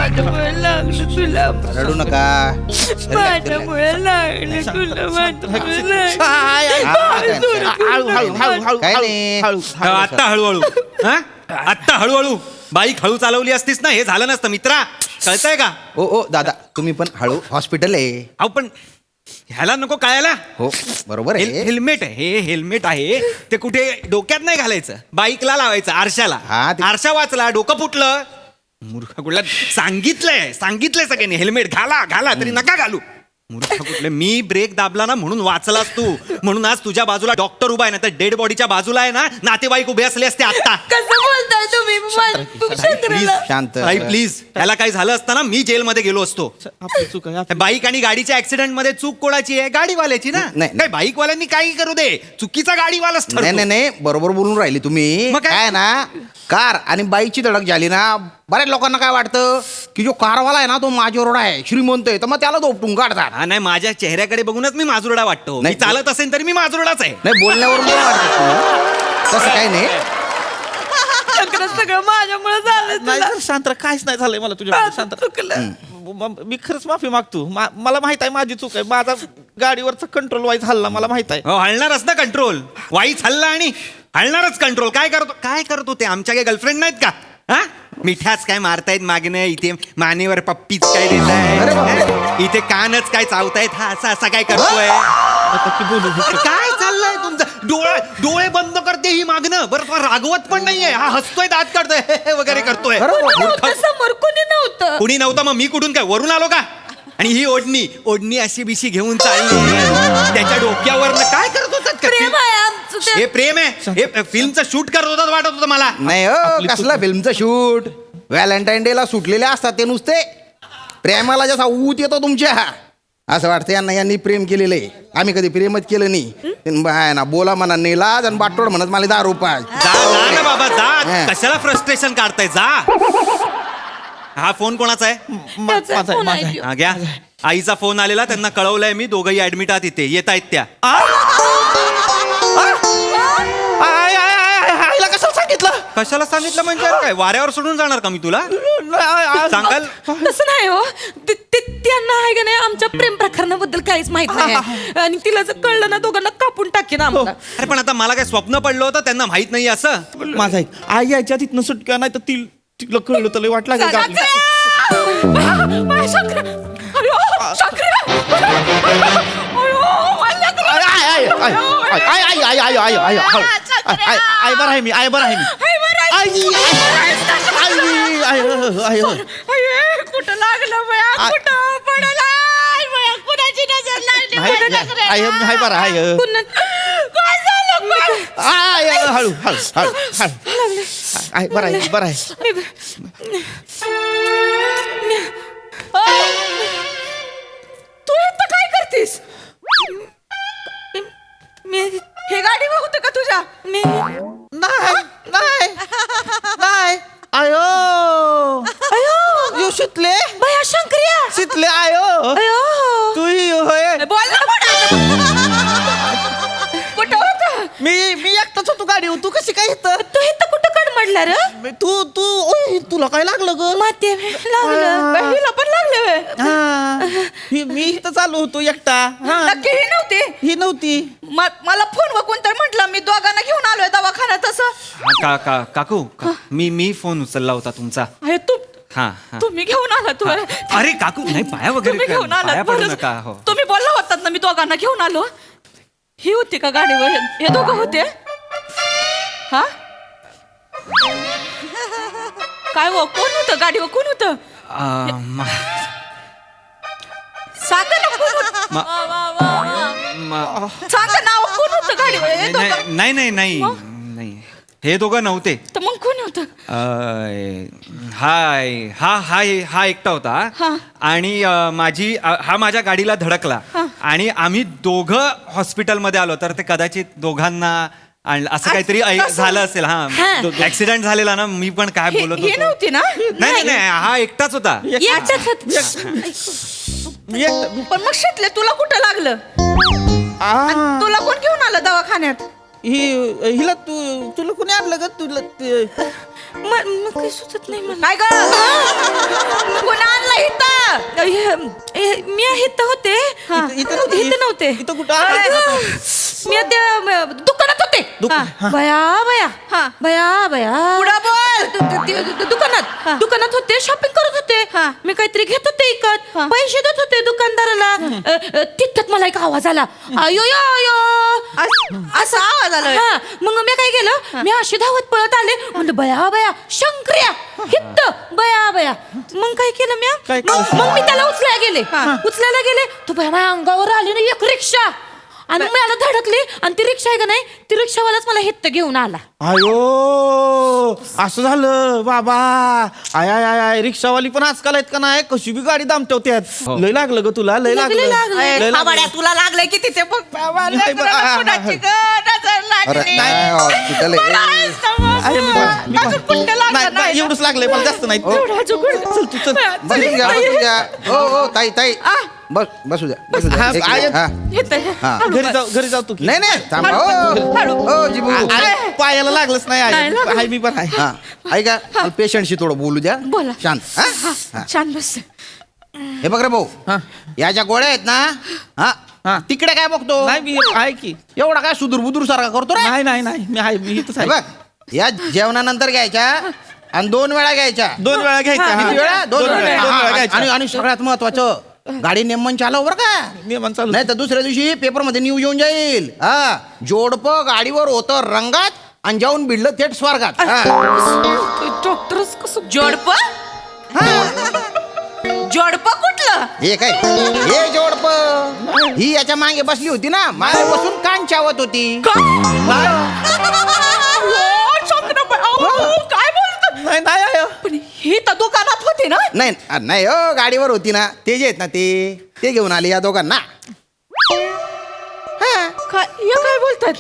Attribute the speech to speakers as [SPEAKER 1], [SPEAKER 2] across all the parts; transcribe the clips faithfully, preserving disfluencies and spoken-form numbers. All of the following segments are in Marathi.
[SPEAKER 1] माझ्यामुळे लागलं तुला,
[SPEAKER 2] रडू नका.
[SPEAKER 1] माझ्यामुळे लागलं तुला, माझ्यामुळे लागलं.
[SPEAKER 3] हळू हळू हळू हळू
[SPEAKER 2] काय नाही.
[SPEAKER 3] हळू
[SPEAKER 4] आत्ता हळूहळू हा आत्ता हळूहळू बाईक हळू चालवली असतीस ना हे झालं नसतं मित्रा. कळतंय का?
[SPEAKER 2] ओ ओ दादा तुम्ही पण हळू, हॉस्पिटल आहे.
[SPEAKER 4] अहो पण ह्याला नको कळायला.
[SPEAKER 2] हो बरोबर
[SPEAKER 4] हेल-
[SPEAKER 2] आहे.
[SPEAKER 4] हेल्मेट आहे हे हेल्मेट आहे ते कुठे डोक्यात नाही घालायचं, बाईकला लावायचं आरशाला.
[SPEAKER 2] हा, ते-
[SPEAKER 4] आरशा वाचला डोकं फुटलं मूर्ख कुठला. सांगितलंय सांगितलंय सगळ्यांनी हेल्मेट घाला घाला तरी नका घालू. मूर्ख कुठले. मी ब्रेक दाबला ना म्हणून वाचलास तू, म्हणून आज तुझ्या बाजूला डॉक्टर उभा आहे ना तर डेड बॉडीच्या बाजूला आहे ना नातेवाईक उभे असले असते आता.
[SPEAKER 1] कसं बोलताय तुम्ही
[SPEAKER 4] प्लीज
[SPEAKER 1] शंकराला?
[SPEAKER 2] शांत.
[SPEAKER 4] ताई प्लीज त्याला काही झालं असतं ना मी जेलमध्ये गेलो असतो.
[SPEAKER 3] आपली चूक आहे आपली-
[SPEAKER 4] बाईक आणि गाडीच्या ऍक्सिडेंट मध्ये चूक कोणाची आहे? गाडीवाल्याची ना.
[SPEAKER 2] नाही.
[SPEAKER 4] काय बाईकवाल्यांनी काही करू दे, चुकीचा गाडीवालाच
[SPEAKER 2] नाही
[SPEAKER 4] ठरतो.
[SPEAKER 2] नाही नाही बरोबर बोलून राहिली तुम्ही.
[SPEAKER 4] मग काय?
[SPEAKER 2] काय ना कार आणि बाईकची धडक झाली ना बऱ्याच लोकांना काय वाटतं की जो कारवाला आहे ना तो माझ्यावर आहे, श्रीमंत आहे, तर मग त्याला दोपटून काढतात.
[SPEAKER 4] हा नाही माझ्या चेहऱ्याकडे बघूनच मी माजुरडा वाटतो. मी
[SPEAKER 2] नाही.
[SPEAKER 4] चालत असेल तरी मी माजुरडाच आहे.
[SPEAKER 2] नाही बोलण्यावरून पण वाटतं तुम्ही. तसं काही नाही.
[SPEAKER 1] शंकरा सगळं माझ्यामुळे झालं
[SPEAKER 3] नाही
[SPEAKER 1] तुला.
[SPEAKER 3] तर शांत राहा, काहीच नाही झालंय मला तुझ्या शांत राहा.
[SPEAKER 1] चुकलं.
[SPEAKER 3] म- मी खरंच माफी मागतो. मा- मला माहित आहे माझी चूक आहे. माझा गाडीवरचा कंट्रोल वाईज हल्ला मला माहित आहे.
[SPEAKER 4] हो हलणारच ना कंट्रोल. वाईच हल्ला आणि हलणारच कंट्रोल. काय करतो काय करतो ते आमच्या काही गर्लफ्रेंड नाहीत का? हा मिठाच काय मारतायत मागणं, इथे मानेवर पप्पीच काय देत
[SPEAKER 2] अरे बापरे.
[SPEAKER 4] आहे, इथे कानच काय चावतायत. हा असा असा काय करतोय?
[SPEAKER 3] आता की बोलू
[SPEAKER 4] अरे काय चाललंय तुमचं? डोळे डोळे बंद करते ही मागणं. बरं तो रागवत पण नाहीये. हा हसतोय दात काढतोय हे, हे वगैरे करतोय.
[SPEAKER 1] कोणी नव्हतं समोर, कोणी नव्हतं.
[SPEAKER 4] कुणी नव्हतं मग मी कुठून काय वरून आलो का? आणि ही ओढणी ओढणी अशी बिशी घेऊन चालली त्याच्या डोक्यावर काय करत होतात का?
[SPEAKER 1] प्रेम आहे आमचं ते.
[SPEAKER 4] हे प्रेम आहे. हे फिल्मचं शूट करत होतात वाटत होतं मला.
[SPEAKER 2] नाही हो कसला फिल्मचं शूट. व्हॅलेंटाईन डे ला सुटलेले असतात ते नुसते. प्रेमाला जसा ऊत येतो तुमच्या असं वाटतं यांना यांनी प्रेम केलेलं आहे. आम्ही कधी प्रेमच केलं नाही. बाय ना बोला म्हणा नेलाज आणि बाटोड म्हणत मला दहा रुपये.
[SPEAKER 4] जा जा ना बाबा जा.
[SPEAKER 2] हा.
[SPEAKER 4] कशाला फ्रस्ट्रेशन काढताय जा. हा फोन कोणाचा आहे?
[SPEAKER 1] त्याचा
[SPEAKER 3] माझा
[SPEAKER 1] फोन
[SPEAKER 3] माझा
[SPEAKER 1] आहे.
[SPEAKER 4] हा घ्या. आईचा फोन आलेला त्यांना कळवलंय मी. दोघंही ऍडमिट आहात इथे. येत आहेत त्या.
[SPEAKER 3] आय आय आय आय आईला कसं सांगितलं?
[SPEAKER 4] कशाला सांगितलं म्हणजे काय वाऱ्यावर सोडून जाणार का मी तुला?
[SPEAKER 3] आय, आय,
[SPEAKER 4] सांगाल
[SPEAKER 1] तसं नाही हो. ते- ते- त्यांना आहे का नाही आमच्या प्रेम प्रकरणाबद्दल काहीच माहित नाही. आणि तिला जर कळलं ना दोघांना कापून टाकेन आम्हाला.
[SPEAKER 4] अरे पण आता मला काय स्वप्न पडलं होतं त्यांना माहित नाही असं.
[SPEAKER 3] माझा ऐक. आई यायच्या तिथनं सुटक्या नाही तर ती तिला कळलं तर लय वाट लागेल का आपली? आय, आय, आय, आय, आय, आय, आय, आय, आय, आय, आय, आय, आय, आय, बरं आहे मी आय बरं आहे मी आई, आई, आई, आई, आई.
[SPEAKER 1] कुठं लागलं बया,
[SPEAKER 3] आ-
[SPEAKER 1] कुठं पडला बया, कुणाची नजर लागली
[SPEAKER 3] नाही,
[SPEAKER 1] कुठं
[SPEAKER 3] नाही,
[SPEAKER 1] नजर
[SPEAKER 3] आई, आई, बरं आहे.
[SPEAKER 1] कुणा- काय झालं बया?
[SPEAKER 3] आय, आय, हळू हळू हळू हळू आय बरं आहे बरं आहे.
[SPEAKER 1] तू इथं काय करतीस? मी हे गाडी होतं का तुझ्या? मी
[SPEAKER 3] नाही नाही नाही आयो यो शितले
[SPEAKER 1] बया शंकर्या.
[SPEAKER 3] शितले आयो
[SPEAKER 1] अयो
[SPEAKER 3] तू होय.
[SPEAKER 1] बोल ना कुठं कुठं होतं?
[SPEAKER 3] मी मी एकटाच होतो गाडीवर. तू कशी काय इथं?
[SPEAKER 1] तू इथं कुठं कडमडला रे?
[SPEAKER 3] मी- तू तू ओय तुला काय लागलं ग?
[SPEAKER 1] माती लागलं.
[SPEAKER 3] आ.
[SPEAKER 1] बहिणीला पण लागलं व्हय.
[SPEAKER 3] हा. ही- मी इथं चालू होतो एकटा. हा.
[SPEAKER 1] नक्की ही नव्हती.
[SPEAKER 3] ही नव्हती.
[SPEAKER 1] म- मला फोन वकून तर म्हटलं मी दोघांना घेऊन आलोय दवाखान्यात. तसं
[SPEAKER 4] हा, का का काकू का- मी मी फोन उचलला होता तुमचा.
[SPEAKER 1] अरे तू
[SPEAKER 4] हा हा.
[SPEAKER 1] तुम्ही घेऊन आला तू
[SPEAKER 4] अरे काकू नाही पाया वगैरे
[SPEAKER 1] तुम्ही घेऊन
[SPEAKER 4] पाया
[SPEAKER 1] आलात
[SPEAKER 4] पडू
[SPEAKER 1] बरंच.
[SPEAKER 4] नका. हो
[SPEAKER 1] तुम्ही बोलला होतात ना मी दोघांना घेऊन आलो. ही होती का गाडीवर? हे- हे दोघं होते? हा काय हो कोण होतं गाडीवर? कोण होतं?
[SPEAKER 4] आ, मा-
[SPEAKER 1] सांगा ना कोण होतं?
[SPEAKER 4] मा- मा-
[SPEAKER 1] सांगा नाव कोण होतं गाडीवर? हे
[SPEAKER 4] नाही
[SPEAKER 1] दोघं?
[SPEAKER 4] नाही नाही नाही नाही हे दोघं नव्हते.
[SPEAKER 1] तर मग कोण होतं?
[SPEAKER 4] अ, हाय हा हा हा एकटा
[SPEAKER 1] हा.
[SPEAKER 4] होता आणि अ, माझी अ, हा माझ्या गाडीला धडकला आणि आम्ही दोघं हॉस्पिटलमध्ये आलो. तर ते कदाचित दोघांना आणलं असं काहीतरी ऐ-
[SPEAKER 1] तसं?
[SPEAKER 4] झालं असेल.
[SPEAKER 1] हा.
[SPEAKER 4] हा ऍक्सिडेंट झालेला ना. मी पण काय
[SPEAKER 1] हे
[SPEAKER 4] बोलत
[SPEAKER 1] हे
[SPEAKER 4] होतो.
[SPEAKER 1] नव्हती ना?
[SPEAKER 4] नाही नाही नाही हा एकटाच होता.
[SPEAKER 1] एकटाच होत.
[SPEAKER 3] मी एकटा
[SPEAKER 1] पण मग शितले तुला कुठं लागलं?
[SPEAKER 3] आ.
[SPEAKER 1] तुला कोण घेऊन आलं दवाखान्यात?
[SPEAKER 3] ही हिला तू तुला कोणी आणलं ग? तुला ते-
[SPEAKER 1] म- म- काही सुचत नाही मला.
[SPEAKER 5] काय ग पुन्हा आणलं इथं
[SPEAKER 1] हे- हे- मी इथं होते
[SPEAKER 3] इथं- इथं नव्हते.
[SPEAKER 1] इथं नव्हते
[SPEAKER 3] इथं कुठं आहे?
[SPEAKER 1] मी त्या म, दुकानात होते
[SPEAKER 3] दुकान- हा.
[SPEAKER 1] बया बया
[SPEAKER 5] हा.
[SPEAKER 1] बया बया
[SPEAKER 5] पुढं बोल.
[SPEAKER 1] दु- दु- दु- दु- दुकानात दुकानात होते शॉपिंग करत होते
[SPEAKER 5] हा.
[SPEAKER 1] मी काहीतरी घेत होते इकत
[SPEAKER 5] हा.
[SPEAKER 1] पैसे देत होते दुकानदाराला अ, अ, तितक्यात मला एक आवाज आला अयो यो यो
[SPEAKER 5] अस- असा आवाज आला
[SPEAKER 1] हा मग मी काय केलं मी अशी धावत पळत आले म्हणलं बया बया शंकर्या हित्त बया बया मग काय केलं मी
[SPEAKER 3] काय
[SPEAKER 1] मग
[SPEAKER 3] केलं?
[SPEAKER 1] मग मी त्याला उचलायला गेले उचलायला गेले तो बया माझ्या अंगावर आली ना एक रिक्षा आणि मी मला धडकली आणि ती रिक्षा आहे का नाही ती रिक्षावालाच मला हित्त घेऊन आला
[SPEAKER 3] अयो असं झालं बाबा आय आय आय आय रिक्षावाली पण आजकाल आहेत का नाही कशी बी गाडी दामटवत्यात लय लागलं ग तुला लय
[SPEAKER 1] लागलं,
[SPEAKER 3] लागलं
[SPEAKER 1] लागलं.
[SPEAKER 3] लय
[SPEAKER 5] ए,
[SPEAKER 3] लागलं.
[SPEAKER 5] खाबाड्या, तुला लागलंय की तिथे बघ बाबा,
[SPEAKER 3] नाही, बा-
[SPEAKER 5] लेकराला
[SPEAKER 3] आ- आ-
[SPEAKER 5] कुणाची ग नजर
[SPEAKER 2] अरे
[SPEAKER 5] लागली.
[SPEAKER 2] नाही हॉस्पिटल
[SPEAKER 5] मला
[SPEAKER 2] आहे
[SPEAKER 5] आज समजलं.
[SPEAKER 3] आहे, मी पण- मी पण-
[SPEAKER 5] अजून कुठं लागलं
[SPEAKER 3] नाही, नाही,
[SPEAKER 5] नाही.
[SPEAKER 3] एवढंच लागलंय मला जास्त नाही
[SPEAKER 1] एवढा जुगुड.
[SPEAKER 3] चल तू चल
[SPEAKER 2] बसू द्या बसू द्या हो हो ताई ताई बस बसू द्या बसू द्या
[SPEAKER 3] हा,
[SPEAKER 2] एक
[SPEAKER 3] आहे.
[SPEAKER 2] मिनिट, हा.
[SPEAKER 1] हित्त.
[SPEAKER 2] हा.
[SPEAKER 3] घरी जाऊ घरी जाऊ तू की.
[SPEAKER 2] नाही नाही थांबा हो हो जिबू
[SPEAKER 3] अरे, पायाला लागलंच नाही
[SPEAKER 1] नाही
[SPEAKER 3] आहे
[SPEAKER 1] लागलं.
[SPEAKER 3] आहे, मी पण आहे
[SPEAKER 2] हा ऐका पेशंटशी थोडं बोलू द्या
[SPEAKER 1] बोला.
[SPEAKER 2] शांत हा? हा.
[SPEAKER 1] छान बस
[SPEAKER 2] हे बघ रे भाऊ
[SPEAKER 3] हा.
[SPEAKER 2] या ज्या गोळ्या आहेत ना
[SPEAKER 3] हा.
[SPEAKER 2] हा तिकडे काय बघतो
[SPEAKER 3] नाही मी आहे की
[SPEAKER 2] एवढा काय सुदूर बुदूर सारखा करतो रे
[SPEAKER 3] नाही नाही नाही मी आहे मी इथंच
[SPEAKER 2] हे
[SPEAKER 3] आहे
[SPEAKER 2] बघ या जेवणानंतर घ्यायच्या आणि दोन वेळा घ्यायच्या
[SPEAKER 3] दोन वेळा घ्यायचा हा.
[SPEAKER 2] किती वेळा दोन
[SPEAKER 3] दोन
[SPEAKER 2] वेळा
[SPEAKER 3] वेळा दोन
[SPEAKER 2] हा,
[SPEAKER 3] वेळा
[SPEAKER 2] आणि
[SPEAKER 3] घ्यायचा
[SPEAKER 2] आणि सगळ्यात महत्वाचं गाडी नेमन चालव बरं का
[SPEAKER 3] नियमन चालू
[SPEAKER 2] नाही तर दुसऱ्या दिवशी पेपर मध्ये न्यूज येऊन जाईल हा जोडपं गाडीवर होतं रंगात आणि जाऊन भिडलं थेट स्वर्गात हा.
[SPEAKER 1] डॉक्टरच कसं
[SPEAKER 5] जोडप जोडप कुठलं
[SPEAKER 2] हे काय हे जोडप ही याच्या मागे बसली होती ना मागे बसून कान चावत होती
[SPEAKER 5] काय बोलतो
[SPEAKER 3] नाही नाही आहे.
[SPEAKER 5] पण ही तर दुकानात होती ना
[SPEAKER 2] नाही अ, नाही हो गाडीवर होती ना ते जे आहेत ना ते ते घेऊन आले या दोघांना हा.
[SPEAKER 1] काय या काय बोलतात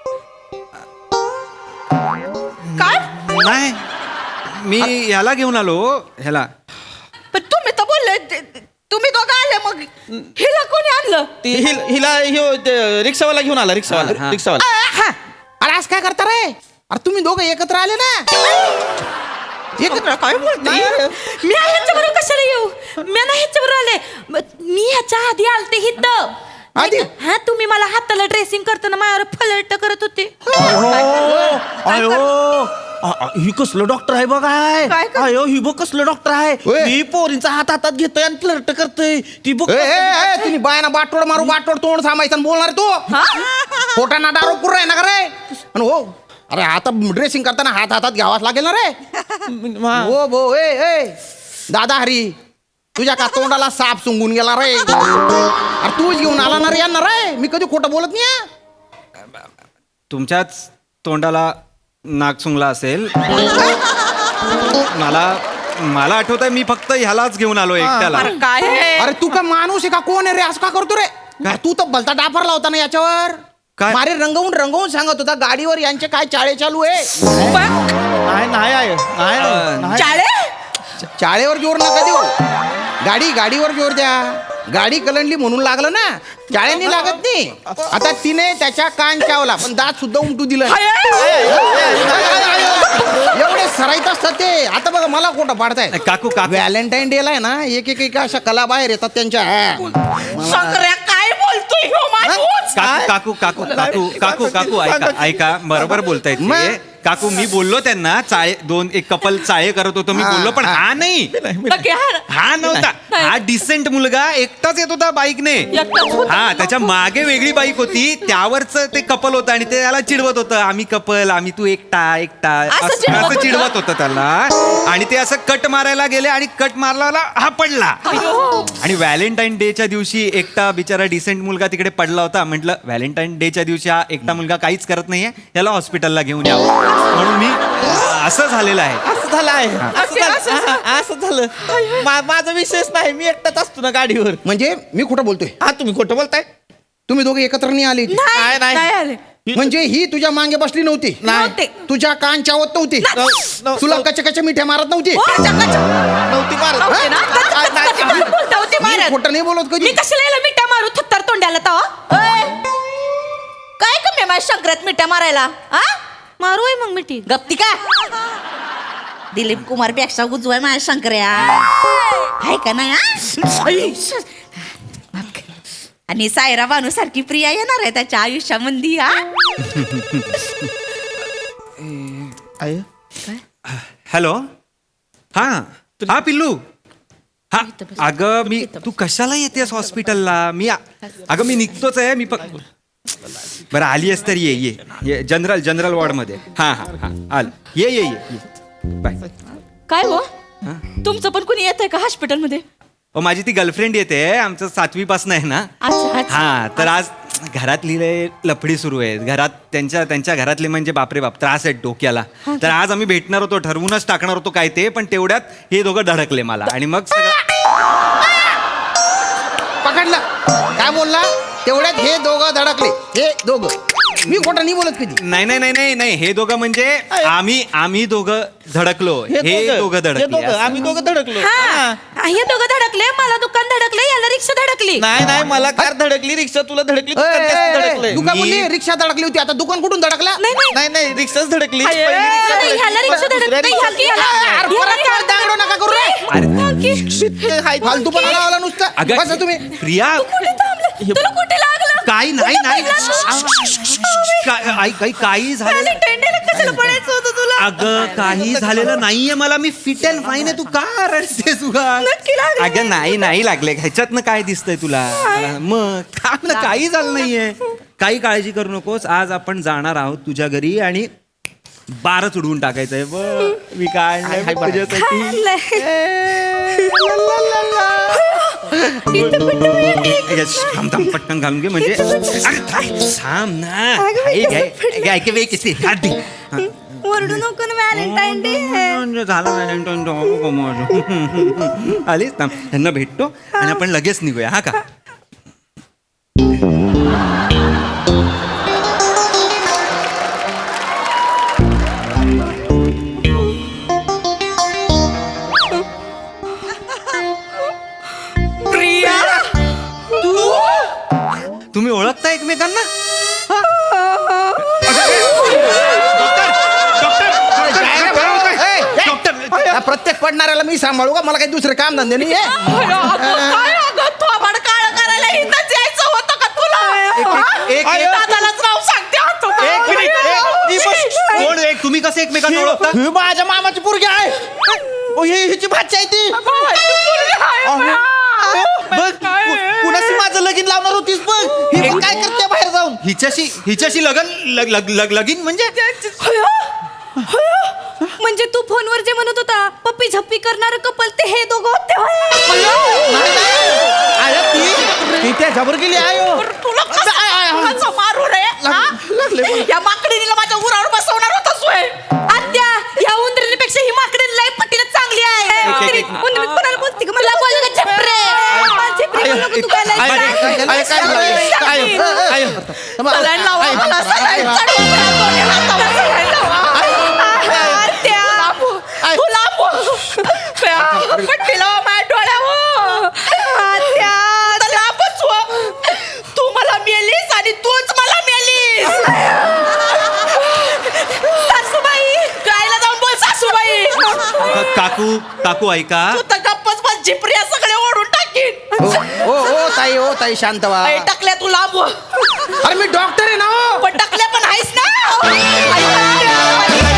[SPEAKER 5] काय
[SPEAKER 4] नाही मी ह्याला घेऊन आलो ह्याला
[SPEAKER 5] पण तुम्ही तर बोलले ते- तुम्ही दोघं आले मग हिला कोणी आणलं
[SPEAKER 3] ती हिल- हिला ह्यो ते रिक्षावाला घेऊन आला रिक्षावाला
[SPEAKER 4] हा.
[SPEAKER 3] रिक्षावाला
[SPEAKER 2] हा. अरे असं काय करता रे अरे तुम्ही दोघं एकत्र आले ना एकत्र
[SPEAKER 5] काय बोलते
[SPEAKER 1] मी ह्याच्याबरोबर कशाला येऊ मी ना ह्याच्याबरोबर आले म- मी ह्याच्या आधी आलते हित
[SPEAKER 2] आधी?
[SPEAKER 1] हा तुम्ही मला हाताला ड्रेसिंग करताना माझ्यावर फलट करत होते
[SPEAKER 3] अयो अ- अ- ही कसलं डॉक्टर आहे बघाय
[SPEAKER 5] काय कर-
[SPEAKER 3] अयो ही बघ कसलं डॉक्टर आहे
[SPEAKER 2] ओय.
[SPEAKER 3] मी पोरींचा हात हातात घेतोय आणि फ्लर्ट करतोय ती बघ
[SPEAKER 2] ए, ए, ए, तुम्ही बायाना बाटोड मारू बाटोड तोंड थांबायचं आणि बोलणार तू खोटाना दारू कुर आहे ना का रे आणि हो अरे आता ड्रेसिंग करताना हात हातात घ्यावाच लागेल ना रे
[SPEAKER 3] मा-
[SPEAKER 2] हो भो ए ए दादा हरी तुझ्या का तोंडाला साप सुंगून गेला रे अरे तूच घेऊन आला ना रे यांना रे मी कधी खोटं बोलत नाही हा.
[SPEAKER 4] तुमच्याच तोंडाला नाक सुंगला असेल मला मला आठवत आहे मी फक्त ह्यालाच घेऊन आलो एकट्याला
[SPEAKER 5] अरे काय हे?
[SPEAKER 2] अरे तू का माणूस आहे का कोण आहे रे असं का करतो रे अरे तू तर भलता डाफरला होता ना याच्यावर
[SPEAKER 4] काय?
[SPEAKER 2] मारे रंगवून रंगवून सांगत होता गाडीवर यांचे काय चाळे चालू आहे
[SPEAKER 3] नाही नाही आहे नाही,
[SPEAKER 4] अ,
[SPEAKER 3] नाही
[SPEAKER 5] चाळे
[SPEAKER 2] चाळेवर जोर नका देऊ गाडी गाडीवर जोर द्या गाडी कलंडली म्हणून लागलं ना चाळ्यांनी लागत नाही आता तिने त्याच्या कान चावला पण दात सुद्धा उमटू दिलं नाही. एवढे सराईत असतात ते आता बघा मला खोटं पाडताय
[SPEAKER 4] काकू काकू
[SPEAKER 2] व्हॅलेंटाईन डे ला आहे ना एक एक एक अशा कला बाहेर येतात त्यांच्या मला-
[SPEAKER 5] शंकर्या काय बोलतोय ह्यो माणूस
[SPEAKER 4] काकू काकू काकू काकू काकू काकू ऐका ऐका बरोबर बोलतायत
[SPEAKER 2] मग?
[SPEAKER 4] ते काकू मी बोललो त्यांना चाळे दोन एक कपल चाळे करत होतो मी
[SPEAKER 2] हा,
[SPEAKER 4] बोललो पण
[SPEAKER 2] हा.
[SPEAKER 4] हा नाही
[SPEAKER 5] नक्की हा ना?
[SPEAKER 4] हा नव्हता हा डिसेंट मुलगा एकटाच येत होता बाईकने
[SPEAKER 5] एकटाच होता?
[SPEAKER 4] हा त्याच्या मागे वेगळी बाईक होती त्यावरच ते कपल होतं आणि ते त्याला चिडवत होतं आम्ही कपल आम्ही तू एकटा एकटा
[SPEAKER 5] असं
[SPEAKER 4] असं
[SPEAKER 5] चिडवत
[SPEAKER 4] असं
[SPEAKER 5] होतं?
[SPEAKER 4] चिडवत होतं त्याला आणि ते असं कट मारायला गेले आणि कट मारला हा पडला आणि व्हॅलेंटाईन डेच्या दिवशी एकटा बिचारा डिसेंट मुलगा तिकडे पडला होता म्हटलं व्हॅलेंटाईन डेच्या दिवशी हा एकटा मुलगा काहीच करत नाहीये त्याला हॉस्पिटलला घेऊन यावं म्हणून मी असं झालेलं आहे
[SPEAKER 3] असं झालं आहे असं झालं हा, असं झालं मा- माझा विषयच नाही मी एकटाच असतो ना गाडीवर
[SPEAKER 2] म्हणजे मी खोटं बोलतोय
[SPEAKER 3] हा तुम्ही खोटं बोलताय
[SPEAKER 2] तुम्ही दोघे एकत्र नाही आले
[SPEAKER 3] नाही, नाही.
[SPEAKER 1] नाही आले
[SPEAKER 2] म्हणजे ही तुझ्या मागे बसली नव्हती
[SPEAKER 5] नव्हते.
[SPEAKER 2] तुझ्या कान चावत नव्हती
[SPEAKER 3] नव- नव-
[SPEAKER 2] तुला कच्च्या कच्च्या मिठ्या मारत नव्हती
[SPEAKER 5] हो, चकाचक.
[SPEAKER 3] नव्हती मारत
[SPEAKER 5] नव्हते ना?
[SPEAKER 3] हा?
[SPEAKER 5] कच- कच- कच- कच- बोलता होते
[SPEAKER 2] मी
[SPEAKER 5] मारत.
[SPEAKER 2] खोटं नाही बोलत कधी
[SPEAKER 1] मी कशाला याला मिठा मारू थत्तर तोंडाला तवा
[SPEAKER 5] ओय, काय कमी आहे माझ्या शंकरात मिठ्या मारायला हा
[SPEAKER 1] मारू आहे मग मिठी
[SPEAKER 5] गप्ती का दिलीप कुमार पेक्षा उजवाय माझ्या शंकर्या आहे का नाही हा? आणि सायरा बानू सारखी प्रिया येणार आहे त्याच्या आयुष्यामध्ये हा
[SPEAKER 3] आय
[SPEAKER 4] हॅलो हा हा पिल्लू हा अगं मी तू कशाला येतेस हॉस्पिटलला मी अगं मी निघतोच आहे मी प बरं आली आहेस तर ये ये ये जनरल जनरल वॉर्डमध्ये हा हा हा आल ये ये ये बाय
[SPEAKER 5] काय हो तुमचं पण कोणी येत आहे का हॉस्पिटलमध्ये
[SPEAKER 4] ओ माझी ती गर्लफ्रेंड येते आमचं सातवी पासून आहे ना
[SPEAKER 5] अच्छा अच्छा
[SPEAKER 4] हा तर आज घरातली लय लफडी सुरू आहे घरात त्यांच्या त्यांच्या घरातले म्हणजे बापरे बाप त्रास आहेत डोक्याला तर आज आम्ही भेटणार होतो ठरवूनच टाकणार होतो काय ते पण तेवढ्यात हे दोघं धडकले मला आणि मग सगळं
[SPEAKER 2] पकडलं काय बोलला तेवढ्यात हे दोघं धडकले हे दोघं मी खोटं नाही बोलत कधी
[SPEAKER 4] नाही नाही नाही नाही नाही हे दोघं म्हणजे आम्ही आम्ही दोघं धडकलो हे दोघं धडकले असं.
[SPEAKER 3] आम्ही दोघं धडकलो
[SPEAKER 1] हा
[SPEAKER 3] हा.
[SPEAKER 1] हे दोघं धडकले मला दुकान धडकले याला रिक्षा धडकली
[SPEAKER 3] नाही नाही मला कार धडकली रिक्षा तुला धडकली तू
[SPEAKER 2] ए,
[SPEAKER 3] त्यात
[SPEAKER 2] ए,
[SPEAKER 3] धडकलंय.
[SPEAKER 2] ए, दुकान बोलली रिक्षा धडकली होती आता दुकान कुठून धडकला
[SPEAKER 1] नाही नाही
[SPEAKER 3] नाही नाही रिक्षाच धडकली
[SPEAKER 1] नाही, ह्याला रिक्षा धडकली
[SPEAKER 3] दुसऱ्या
[SPEAKER 1] ह्याला-
[SPEAKER 3] रिक्षा-
[SPEAKER 2] अरे, परत काय दांगडो नका करू रे
[SPEAKER 3] अरे, हाय,
[SPEAKER 2] फालतू पण आला नुसतं
[SPEAKER 4] अगं
[SPEAKER 2] बसा तुम्ही
[SPEAKER 4] प्रिया
[SPEAKER 1] तुला कुठे लागलं
[SPEAKER 4] काही नाही नाही काय- आई- काही काही झालं
[SPEAKER 1] टेंडेला कशाला पडायचं होतं तुला
[SPEAKER 4] अगं काही झालेलं नाहीये मला मी फिट अँड फाईन आहे तू का रडतेस उगा
[SPEAKER 1] नक्की लागलं.
[SPEAKER 4] अगं नाही नाही लागले ह्याच्यातनं काय दिसतंय तुला मग काय ना काही झालं नाहीये काही काळजी करू नकोस आज आपण जाणार आहोत तुझ्या घरी आणि बारच उडवून टाकायचंय बघ मी काय आणलंय बघ तुझ्यासाठी येस, थांब थांब पटकन घालून घे म्हणजे अरे, थांब थांब ना हे घे, घे, ऐक, वेग किती हात दे. हा.
[SPEAKER 1] ओरडू नको ना व्हॅलेंटाईन डे
[SPEAKER 4] म्हणजे झाला व्हॅलेंटाईन डे, हो का माझं. आलीस ना त्यांना भेटतो आणि आपण लगेच निघूया हा का
[SPEAKER 5] प्रिया
[SPEAKER 4] तुम्ही ओळखता एकमेकांना हा?
[SPEAKER 2] या प्रत्येक पडणाऱ्याला मी सांभाळू का मला काही दुसरं काम धंदे नाही आहे?
[SPEAKER 5] काय अगं थोबाड काळं करायला इथंच यायचं होतं का तुला
[SPEAKER 4] एक-
[SPEAKER 5] अरे,
[SPEAKER 4] एक-
[SPEAKER 5] दादालाच नाव सांगते आता बा.
[SPEAKER 4] एक मिनिट एक- ही बस. कोण एक तुम्ही कसं एकमेकांना ओळखता
[SPEAKER 3] ही माझ्या मामाची पोरगी आहे ओ, ही हिची भाची आहे ती बघ कु- कुणाशी माझं लगीन लावणार होतीस बघ ही बघ काय करते बाहेर जाऊन
[SPEAKER 4] हिच्याशी हिच्याशी लगन लग- लग- लग- लगीन म्हणजे
[SPEAKER 1] होय, होय. म्हणजे तू फोनवर जे म्हणत होता पप्पी झप्पी करणार कपल ते हे दोघं होते होय.
[SPEAKER 3] नाही, नाही. अरे ती ती त्या जबर गेली आहे हो.
[SPEAKER 5] तुला कसं कसं मारू रे हा? या माकडीला माझ्या उरावर बसवणार होतास होय
[SPEAKER 1] आत्या या उंदरीपेक्षा ही माकडी लय पटीला चांगली आहे
[SPEAKER 4] एक- एक-
[SPEAKER 1] उंदरी
[SPEAKER 4] एक-
[SPEAKER 1] उंदरी कोणाला बोलते का मला बोल का झेपरे झेपरे बोलू का तू काय लय
[SPEAKER 3] आय-
[SPEAKER 1] काय?
[SPEAKER 3] आय- आय- काय झालं? आय- आय- आय-
[SPEAKER 5] सलाईन लावा मला सलाईन चढवा मला दोन्ही हातावर सलाईन लावा. आत्या, तू लांब हो. प्या, पट्टी लावा माझ्या डोळ्यावर. आत्या, आता लांबच हो. तू मला मेलीस आणि तूच मला मेलीस सासूबाई गायला जाऊन बोल सासूबाई
[SPEAKER 4] का- काकू काकू ऐका
[SPEAKER 5] तू तर गप्पच बस जिप्रिया सगळे ओढून टाकीन
[SPEAKER 2] ओ ओ ओ ताई ओ ताई शांत व्हा
[SPEAKER 5] अय, टाकल्या तू लांब हो.
[SPEAKER 2] अरे मी डॉक्टर आहे ना हो.
[SPEAKER 5] पण टाकल्या पण आहेस ना ऐका.